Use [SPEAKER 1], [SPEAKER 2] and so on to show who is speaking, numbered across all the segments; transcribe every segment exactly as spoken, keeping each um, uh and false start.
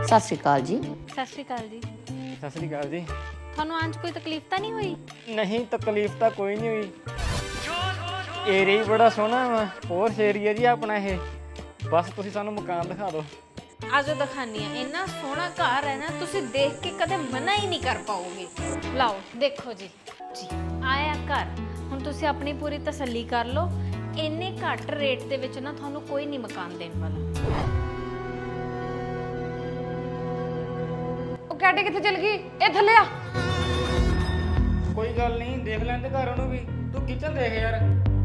[SPEAKER 1] ਸਤਿ ਸ਼੍ਰੀ ਅਕਾਲ ਜੀ।
[SPEAKER 2] ਸਤਿ ਸ਼੍ਰੀ ਅਕਾਲ ਜੀ।
[SPEAKER 3] ਸਤਿ ਸ੍ਰੀ ਅਕਾਲ ਜੀ।
[SPEAKER 2] ਤੁਹਾਨੂੰ ਅੱਜ ਕੋਈ ਤਕਲੀਫ ਤਾਂ ਨਹੀਂ ਹੋਈ?
[SPEAKER 3] ਨਹੀਂ ਤਕਲੀਫ ਤਾਂ ਕੋਈ ਨਹੀਂ ਹੋਈ। ਏਰੀਆ ਹੀ ਬੜਾ ਸੋਹਣਾ ਵਾ, ਹੋਰ ਏਰੀਆ ਜੀ ਆਪਣਾ ਇਹ। ਬਸ ਤੁਸੀਂ ਸਾਨੂੰ ਮਕਾਨ ਦਿਖਾ ਦਿਓ।
[SPEAKER 2] ਆਜੋ ਦਿਖਾਨੀ ਆ। ਇੰਨਾ ਸੋਹਣਾ ਘਰ ਹੈ ਨਾ, ਤੁਸੀਂ ਦੇਖ ਕੇ ਕਦੇ ਮਨਾ ਹੀ ਨਹੀਂ ਕਰ ਪਾਓਗੇ। ਲਓ ਦੇਖੋ ਜੀ ਜੀ ਆਇਆ ਘਰ। ਹੁਣ ਤੁਸੀਂ ਆਪਣੀ ਪੂਰੀ ਤਸੱਲੀ ਕਰ ਲਓ। ਇੰਨੇ ਘੱਟ ਰੇਟ ਦੇ ਵਿੱਚ ਨਾ ਤੁਹਾਨੂੰ ਕੋਈ ਨਹੀਂ ਮਕਾਨ ਦੇਣ ਵਾਲਾ।
[SPEAKER 4] ਉਹ ਕੈਟੇ ਕਿੱਥੇ ਚਲ ਗਈ? ਇਹ ਥੱਲੇ ਆ।
[SPEAKER 3] ਕੋਈ ਗੱਲ ਨਹੀਂ, ਦੇਖ ਲੈਂਦੇ ਘਰ ਉਹਨੂੰ ਵੀ। ਤੂੰ ਕਿਚਨ ਦੇਖ ਯਾਰ।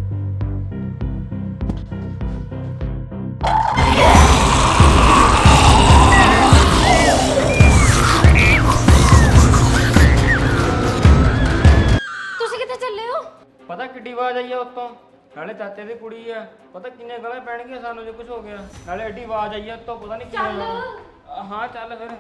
[SPEAKER 2] ਤੁਸੀਂ ਕਿੱਥੇ ਚੱਲੇ ਹੋ?
[SPEAKER 3] ਪਤਾ ਕਿੱਡੀ ਆਵਾਜ਼ ਆਈ ਆ ਉੱਤੋਂ? ਨਾਲੇ ਚਾਚੇ ਦੀ ਕੁੜੀ ਆ, ਪਤਾ ਕਿੰਨੇ ਗਾਲਾਂ ਪੈਣਗੀਆਂ ਸਾਨੂੰ ਜੇ ਕੁਝ ਹੋ ਗਿਆ। ਨਾਲੇ ਐਡੀ ਆਵਾਜ਼ ਆਈ ਆ ਉੱਤੋਂ, ਪਤਾ ਨਹੀਂ ਕਿਵੇਂ ਹੋਣਾ। ਹਾਂ ਚੱਲ ਫਿਰ।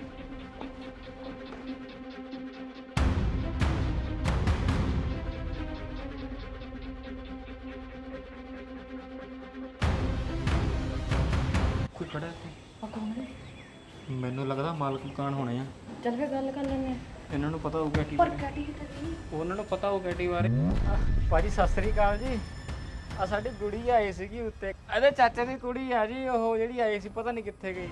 [SPEAKER 3] ਕੋਈ ਖੜਾ ਇੱਥੇ? ਮੈਨੂੰ ਲੱਗਦਾ ਮਾਲਕ ਮਕਾਨ ਹੋਣੇ ਆ।
[SPEAKER 4] ਚੱਲ ਫੇ ਗੱਲ ਕਰ ਲੈਣੇ।
[SPEAKER 3] ਇਹਨਾਂ ਨੂੰ ਪਤਾ ਹੋਊਗਾ ਕੀ
[SPEAKER 4] ਪਰ ਕੈਟੀ ਕਿੱਥੇ ਗਈ?
[SPEAKER 3] ਉਹਨਾਂ ਨੂੰ ਪਤਾ ਹੋਊ ਕੈਟੀ ਬਾਰੇ। ਭਾਜੀ ਸਤਿ ਸ੍ਰੀ ਅਕਾਲ ਜੀ। ਆ ਸਾਡੀ ਕੁੜੀ ਆਈ ਸੀਗੀ ਉੱਤੇ, ਇਹਦੇ ਚਾਚੇ ਦੀ ਕੁੜੀ ਆ ਜੀ। ਉਹ ਜਿਹੜੀ ਆਈ ਸੀ ਪਤਾ ਨਹੀਂ ਕਿੱਥੇ ਗਈ।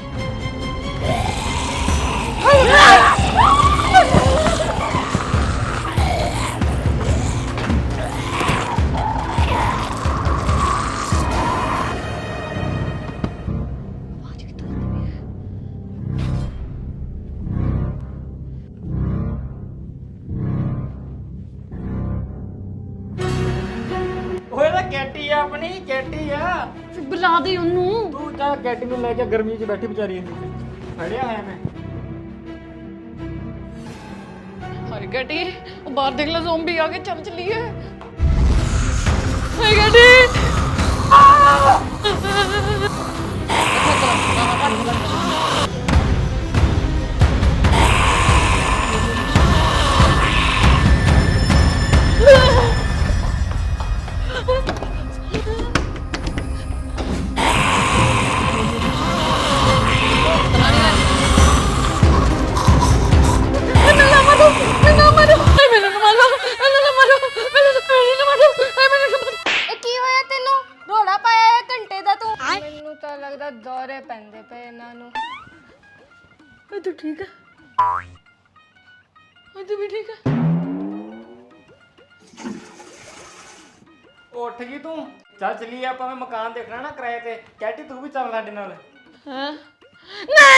[SPEAKER 3] ਓਏ ਤਾਂ ਕੈਟੀ ਆ, ਆਪਣੀ ਕੈਟੀ ਆ।
[SPEAKER 4] ਬੁਲਾ ਦੇ ਉਹਨੂੰ।
[SPEAKER 3] ਤੂੰ ਜਾ ਕੈਟੀ ਨੂੰ ਲੈ ਕੇ, ਗਰਮੀ 'ਚ ਬੈਠੀ ਵਿਚਾਰੀ ਨੂੰ ਫੜਿਆ ਹੋਇਆ ਮੈਂ।
[SPEAKER 4] ਹਾਏ ਕੈਟੀ, ਉਹ ਬਾਹਰ ਦੇਖ ਲੈ, ਜ਼ੋਂਬੀ ਆ ਕੇ। ਚੱਲ ਚਲੀਏ। ਹਾਏ ਕੈਟੀ।
[SPEAKER 5] ਮੈਨੂੰ ਤਾਂ ਲੱਗਦਾ ਦੌਰੇ ਪੈਂਦੇ ਪਏ ਇਹਨਾਂ ਨੂੰ।
[SPEAKER 4] ਏ ਤੂੰ ਠੀਕ ਹੈ? ਏ ਤੂੰ ਵੀ ਠੀਕ ਹੈ?
[SPEAKER 3] ਉੱਠ ਗਈ ਤੂੰ? ਚੱਲ ਚੱਲੀਏ ਆਪਾਂ। ਮੈਂ ਮਕਾਨ ਦੇਖਣਾ ਨਾ ਕਿਰਾਏ ਤੇ। ਕੈਟੀ ਤੂੰ ਵੀ ਚੱਲ ਸਾਡੇ ਨਾਲ।
[SPEAKER 4] ਹਾਂ ਨਹੀਂ।